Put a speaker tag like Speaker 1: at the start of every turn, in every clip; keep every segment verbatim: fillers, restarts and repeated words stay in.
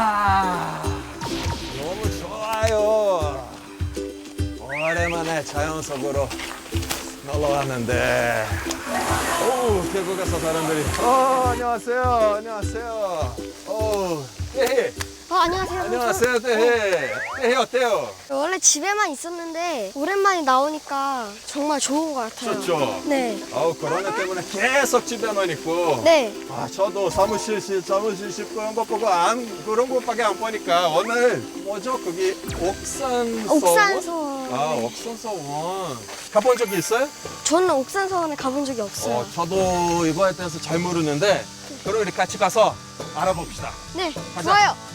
Speaker 1: 아, 너무 좋아요. 오랜만에 자연 속으로 놀러 왔는데. 오, 계곡에서 사람들이. 어, 안녕하세요. 안녕하세요. 오, 떼해.
Speaker 2: 어, 안녕하세요.
Speaker 1: 안녕하세요, 떼해. 떼해 어때요?
Speaker 2: 저 원래 집에만 있었는데 오랜만에 나오니까 정말 좋은 것 같아요.
Speaker 1: 좋죠?
Speaker 2: 네.
Speaker 1: 아우, 코로나 때문에 계속 집에만 있고.
Speaker 2: 네.
Speaker 1: 아, 저도 사무실, 실, 사무실 실 그런 거 보고 안, 그런 것밖에 안 보니까 오늘 뭐죠? 거기 옥산서원?
Speaker 2: 옥산서원.
Speaker 1: 아,
Speaker 2: 네.
Speaker 1: 옥산서원. 가본 적이 있어요?
Speaker 2: 저는 옥산서원에 가본 적이 없어요.
Speaker 1: 어, 저도 이거에 대해서 잘 모르는데 그럼 우리 같이 가서 알아봅시다.
Speaker 2: 네,
Speaker 1: 가자.
Speaker 2: 좋아요.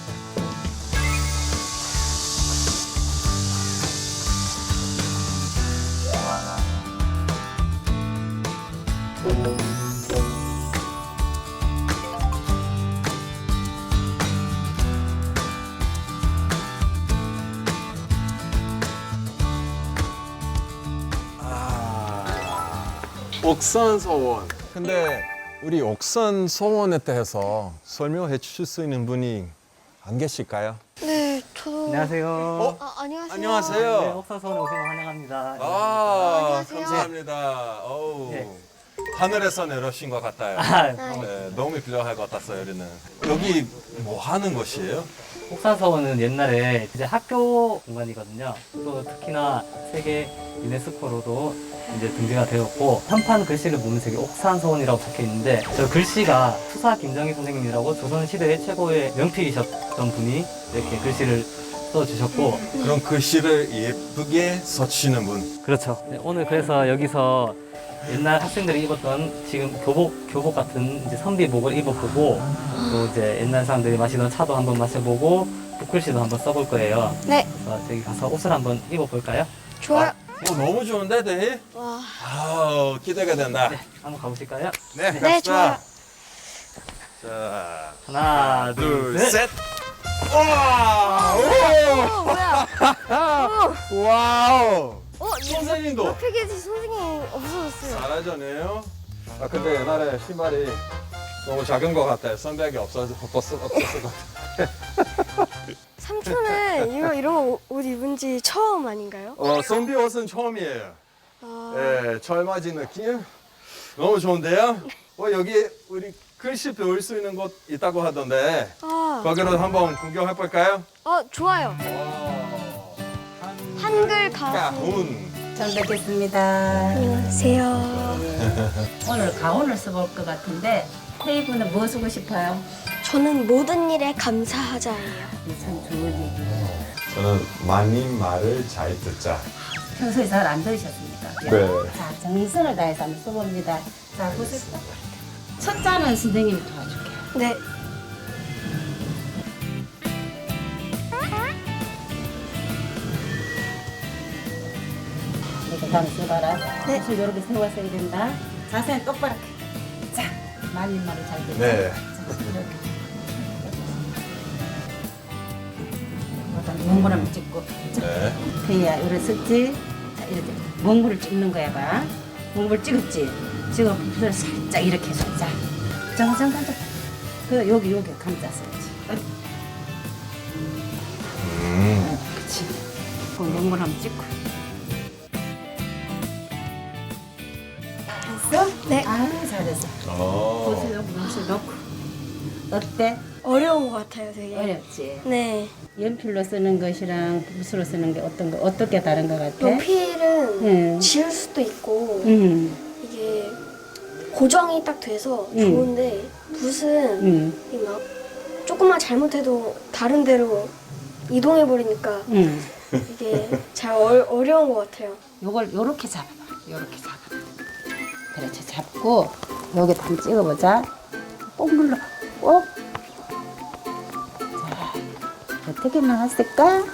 Speaker 1: 아, 옥산서원. 근데 우리 옥산서원에 대해서 설명해 주실 수 있는 분이 안 계실까요?
Speaker 2: 네, 저도.
Speaker 3: 안녕하세요.
Speaker 1: 어?
Speaker 2: 아, 안녕하세요.
Speaker 1: 안녕하세요.
Speaker 3: 네, 옥산서원에 오신 거 환영합니다.
Speaker 1: 아,
Speaker 2: 안녕하세요.
Speaker 1: 감사합니다. 어우,
Speaker 3: 네.
Speaker 1: 하늘에서 내려오신 것 같아요.
Speaker 3: 아,
Speaker 1: 네, 너무 필요할 것 같았어요, 우리는. 여기 뭐 하는 곳이에요?
Speaker 3: 옥산서원은 옛날에 이제 학교 공간이거든요. 또 특히나 세계 유네스코로도 이제 등재가 되었고 현판 글씨를 보면 저기 옥산서원이라고 적혀 있는데 저 글씨가 투사 김정희 선생님이라고 조선 시대의 최고의 명필이셨던 분이 이렇게 글씨를 써주셨고
Speaker 1: 그런 글씨를 예쁘게 써주시는 분.
Speaker 3: 그렇죠. 네, 오늘 그래서 여기서 옛날 학생들이 입었던 지금 교복 교복 같은 이제 선비복을 입어보고 또 이제 옛날 사람들이 마시던 차도 한번 마셔보고 붓글씨도 한번 써볼 거예요.
Speaker 2: 네,
Speaker 3: 그래서 저기 가서 옷을 한번 입어볼까요?
Speaker 2: 좋아요.
Speaker 1: 어, 너무 좋은데, 대희?
Speaker 2: 와.
Speaker 1: 아우, 기대가 된다.
Speaker 3: 네, 한번 가보실까요?
Speaker 1: 네,
Speaker 2: 네,
Speaker 1: 갑시다.
Speaker 2: 좋아요.
Speaker 1: 자,
Speaker 3: 하나,
Speaker 1: 둘,
Speaker 3: 둘, 셋.
Speaker 1: 셋. 와!
Speaker 2: 어, 뭐야?
Speaker 1: 오! 와우!
Speaker 2: 어,
Speaker 1: 선생님도
Speaker 2: 옆에 계신 선생님 없어졌어요.
Speaker 1: 잘하잖아요. 아, 근데 옛날에 신발이 너무 작은 것 같아요. 선배에게 없어서 없었을 것 같아요.
Speaker 2: 삼촌은 이거 이런 옷 입은 지 처음 아닌가요?
Speaker 1: 어, 선비 옷은 처음이에요.
Speaker 2: 아,
Speaker 1: 예, 젊어진 느낌? 너무 좋은데요? 어, 여기 우리 글씨 배울 수 있는 곳 있다고 하던데
Speaker 2: 아,
Speaker 1: 거기로 한번 구경해 볼까요?
Speaker 2: 어, 좋아요. 한글 가수.
Speaker 1: 가훈.
Speaker 4: 잘 뵙겠습니다.
Speaker 2: 안녕하세요.
Speaker 4: 오늘 가온을 써볼 것 같은데 테이프는 뭐 쓰고 싶어요?
Speaker 2: 저는 모든 일에 감사하자예요.
Speaker 4: 참 좋은 얘기.
Speaker 1: 저는 많은 말을 잘 듣자.
Speaker 4: 평소에 잘 안 들으셨습니까?
Speaker 1: 네.
Speaker 4: 자, 정성을 다해서 한번 써봅니다. 자, 보세요. 첫 자는 선생님이 도와줄게요.
Speaker 2: 네.
Speaker 4: 이렇게 다음 써봐라.
Speaker 2: 네.
Speaker 4: 옷을 이렇게 세워 써야 된다. 자세는 똑바로. 자, 말린 말을 잘 듣자.
Speaker 1: 네.
Speaker 4: 자, 이렇게. 일단 몽골함을 찍고. 자,
Speaker 1: 네.
Speaker 4: 그야 이렇게 썼지. 자, 이렇게 몽골을 찍는 거야 봐. 몽골 찍었지. 지금 붓을 살짝 이렇게 해서 자. 잠깐 잠깐 잠깐. 그 여기 여기 감쌌어야지.
Speaker 1: 음.
Speaker 4: 그렇지. 그 몽골 한번 찍고. 됐어?
Speaker 2: 네.
Speaker 4: 아 잘했어.
Speaker 1: 어.
Speaker 4: 붓을 여기 붓을 넣고. 어때?
Speaker 2: 어려운 것 같아요, 되게.
Speaker 4: 어렵지.
Speaker 2: 네.
Speaker 4: 연필로 쓰는 것이랑 붓으로 쓰는 게 어떤 거 어떻게 다른 것 같아?
Speaker 2: 연필은
Speaker 4: 응.
Speaker 2: 지울 수도 있고
Speaker 4: 응.
Speaker 2: 이게 고정이 딱 돼서
Speaker 4: 응.
Speaker 2: 좋은데 붓은
Speaker 4: 응.
Speaker 2: 이막 조금만 잘못해도 다른 데로 이동해 버리니까
Speaker 4: 응.
Speaker 2: 이게 잘 어, 어려운 것 같아요.
Speaker 4: 요걸 요렇게 잡아봐. 요렇게 잡아봐. 그렇지. 잡고 여기 한번 찍어보자. 꼭 눌러. 꼭. 자, 어떻게 나왔을까?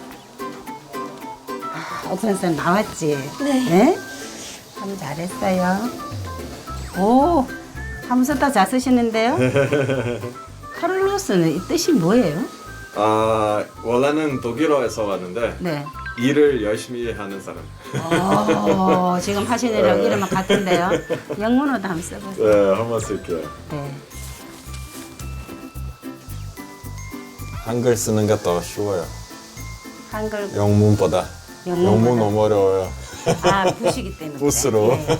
Speaker 4: 아, 옥선선 나왔지?
Speaker 2: 네.
Speaker 4: 네? 참 잘했어요. 오, 함수도 잘 쓰시는데요? 카를로스는 이 뜻이 뭐예요?
Speaker 1: 아, 원래는 독일어에서 왔는데
Speaker 4: 네.
Speaker 1: 일을 열심히 하는 사람.
Speaker 4: 오, 지금 하시는 이랑 이름은 같은데요? 영문으로도 한번 써보세요.
Speaker 1: 네, 한번 쓸게요.
Speaker 4: 네.
Speaker 1: 한글 쓰는 게 더 쉬워요.
Speaker 4: 한글
Speaker 1: 영문보다.
Speaker 4: 영문보다.
Speaker 1: 영문 너무 어려워요.
Speaker 4: 아 붓이기 때문에.
Speaker 1: 붓으로.
Speaker 4: 네.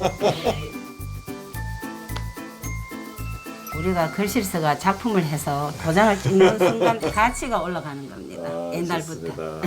Speaker 4: 우리가 글씨서가 작품을 해서 도장을 찍는 순간 가치가 올라가는 겁니다.
Speaker 1: 아,
Speaker 4: 옛날부터.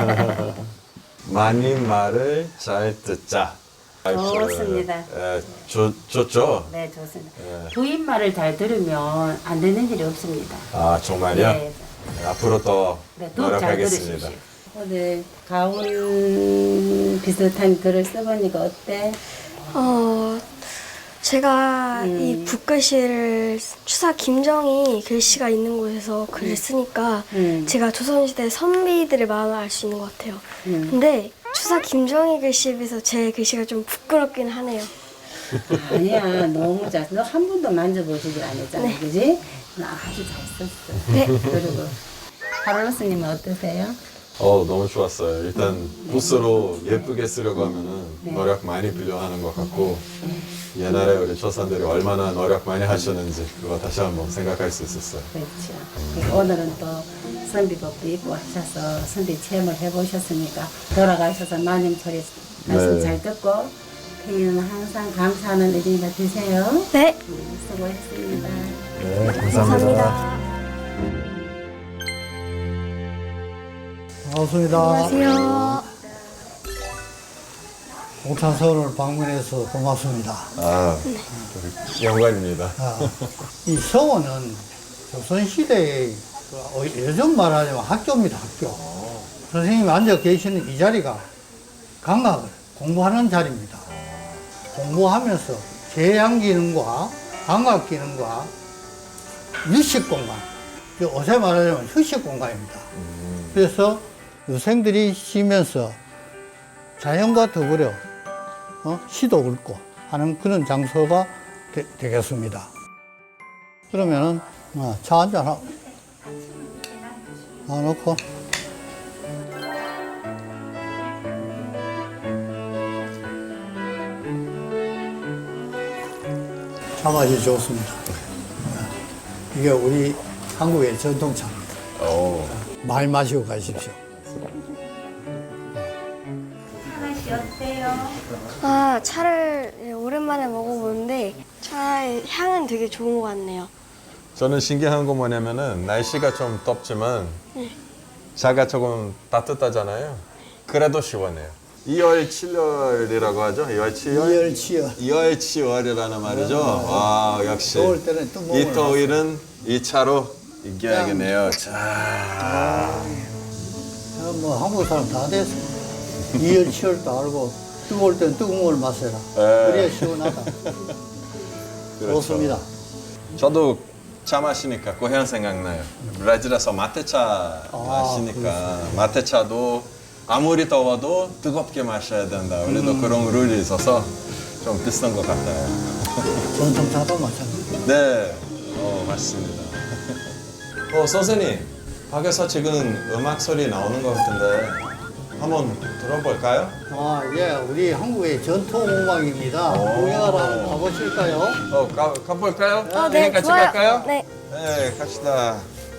Speaker 1: 많은 말을 잘 듣자.
Speaker 4: 좋습니다.
Speaker 1: 예, 좋, 좋죠?
Speaker 4: 네, 좋습니다.
Speaker 1: 예.
Speaker 4: 부인말을 잘 들으면 안 되는 일이 없습니다.
Speaker 1: 아, 정말요?
Speaker 4: 네,
Speaker 1: 네, 앞으로 더
Speaker 4: 네, 더잘
Speaker 1: 노력하겠습니다.
Speaker 4: 들으십시오. 오늘 가운 비슷한 글을 써보니까 어때?
Speaker 2: 어, 제가
Speaker 4: 음.
Speaker 2: 이 붓글씨를 추사 김정희 글씨가 있는 곳에서 글을 쓰니까
Speaker 4: 음.
Speaker 2: 제가 조선시대 선비들의 마음을 알 수 있는 것 같아요.
Speaker 4: 음.
Speaker 2: 근데 추사 김정희 글씨에 비해서 제 글씨가 좀 부끄럽긴 하네요.
Speaker 4: 아니야, 너무 잘. 너 한 번도 만져보지를 안 했잖아,
Speaker 2: 네.
Speaker 4: 그지? 나 아주 잘 썼어.
Speaker 2: 네.
Speaker 4: 그리고 카를로스님은 어떠세요?
Speaker 1: 어, 너무 좋았어요. 일단 붓으로 예쁘게 쓰려고 하면은
Speaker 4: 네.
Speaker 1: 노력 많이 필요하는 것 같고 옛날에 우리 조상들이 얼마나 노력 많이 하셨는지 그거 다시 한번 생각할 수 있었어요.
Speaker 4: 그렇죠. 그리고 오늘은 또 선비복도 입고 하셔서 선비 체험을 해보셨으니까 돌아가셔서 마님 소리 말씀
Speaker 1: 네.
Speaker 4: 잘 듣고 태희는 항상 감사하는 일이가 되세요.
Speaker 2: 네,
Speaker 4: 음, 수고했습니다.
Speaker 1: 네,
Speaker 2: 감사합니다.
Speaker 5: 반갑습니다.
Speaker 2: 안녕하세요.
Speaker 5: 옥탄서원을 방문해서 고맙습니다.
Speaker 1: 아, 영광입니다.
Speaker 5: 아, 이 서원은 조선시대의 그 어, 예전 말하자면 학교입니다, 학교. 선생님이 앉아 계시는 이 자리가 강학을 공부하는 자리입니다. 공부하면서 계양 기능과 강학 기능과 유식 공간, 어제 말하자면 휴식 공간입니다. 그래서 유생들이 쉬면서 자연과 더불어 어? 시도 읊고 하는 그런 장소가 되, 되겠습니다. 그러면은 어, 차 한잔 하고 놔놓고 차 맛이 좋습니다. 어, 이게 우리 한국의 전통차입니다.
Speaker 1: 오.
Speaker 5: 많이 마시고 가십시오.
Speaker 2: 아, 차를 오랜만에 먹어보는데 차의 향은 되게 좋은 것 같네요.
Speaker 1: 저는 신기한 거 뭐냐면은 날씨가 좀 덥지만 차가 조금 따뜻하잖아요. 그래도 시원해요. 이월 칠월이라고 하죠? 이월 칠월?
Speaker 5: 이열치열.
Speaker 1: 이월 칠월이라는 말이죠. 와, 역시
Speaker 5: 더울 때는 또 먹으러
Speaker 1: 이 더위는 이 차로 이겨야겠네요. 자,
Speaker 5: 아, 뭐 한국 사람 다 됐어. 이열치열도 알고 뜨거울 땐 뜨거운 걸 마셔라.
Speaker 1: 에.
Speaker 5: 그래야 시원하다.
Speaker 1: 그렇죠.
Speaker 5: 좋습니다.
Speaker 1: 저도 차 마시니까 고향 생각나요. 브라질에서 마테차
Speaker 5: 아,
Speaker 1: 마시니까 마테차도 아무리 더워도 뜨겁게 마셔야 된다. 우리도 그런 룰이 있어서 좀 비슷한 것 같아요.
Speaker 5: 전통차도 마찬가지.
Speaker 1: 네, 어, 맞습니다. 어, 선생님, 밖에서 지금 음악 소리 나오는 것 같은데 한번 들어볼까요?
Speaker 5: 아, 예, 우리 한국의 전통 음악입니다.
Speaker 1: 오.
Speaker 5: 구경하러 한번 가보실까요?
Speaker 1: 어, 가, 가볼까요?
Speaker 2: 어, 네,
Speaker 1: 같이
Speaker 2: 좋아요.
Speaker 1: 갈까요?
Speaker 2: 네.
Speaker 1: 네, 갑시다.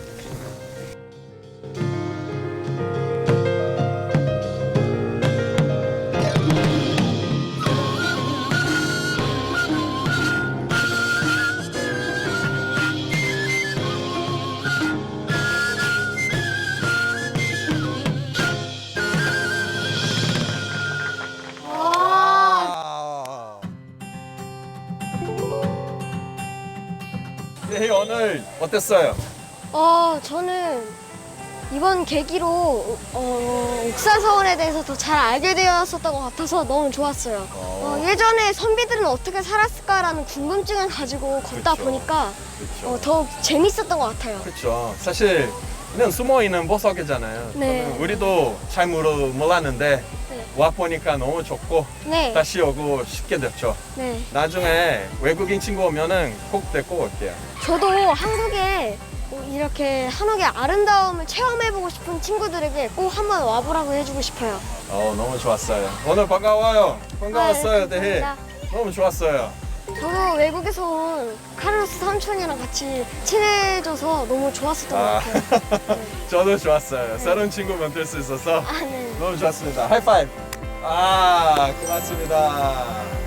Speaker 1: 네, 오늘 어땠어요?
Speaker 2: 어, 저는 이번 계기로 어, 옥사서원에 대해서 더 잘 알게 되었었던 것 같아서 너무 좋았어요. 어, 예전에 선비들은 어떻게 살았을까라는 궁금증을 가지고 걷다
Speaker 1: 그쵸.
Speaker 2: 보니까
Speaker 1: 그렇죠.
Speaker 2: 어, 더욱 재밌었던 것 같아요.
Speaker 1: 그렇죠. 사실 그냥 숨어 있는 보석이잖아요.
Speaker 2: 네.
Speaker 1: 저는 우리도 잘 모르, 몰랐는데
Speaker 2: 네.
Speaker 1: 와 보니까 너무 좋고
Speaker 2: 네.
Speaker 1: 다시 오고 싶게 됐죠.
Speaker 2: 네.
Speaker 1: 나중에 외국인 친구 오면은 꼭 데리고 올게요.
Speaker 2: 저도 한국에 이렇게 한옥의 아름다움을 체험해보고 싶은 친구들에게 꼭 한번 와보라고 해주고 싶어요.
Speaker 1: 어, 너무 좋았어요. 오늘 반가워요. 반가웠어요,
Speaker 2: 네,
Speaker 1: 대희.
Speaker 2: 감사합니다.
Speaker 1: 너무 좋았어요.
Speaker 2: 저도 외국에서 온 카를로스 삼촌이랑 같이 친해져서 너무 좋았었던
Speaker 1: 아.
Speaker 2: 것 같아요.
Speaker 1: 저도 좋았어요. 새로운 친구 만들 수 있어서
Speaker 2: 아, 네.
Speaker 1: 너무 좋았습니다. 하이파이브. 아, 고맙습니다.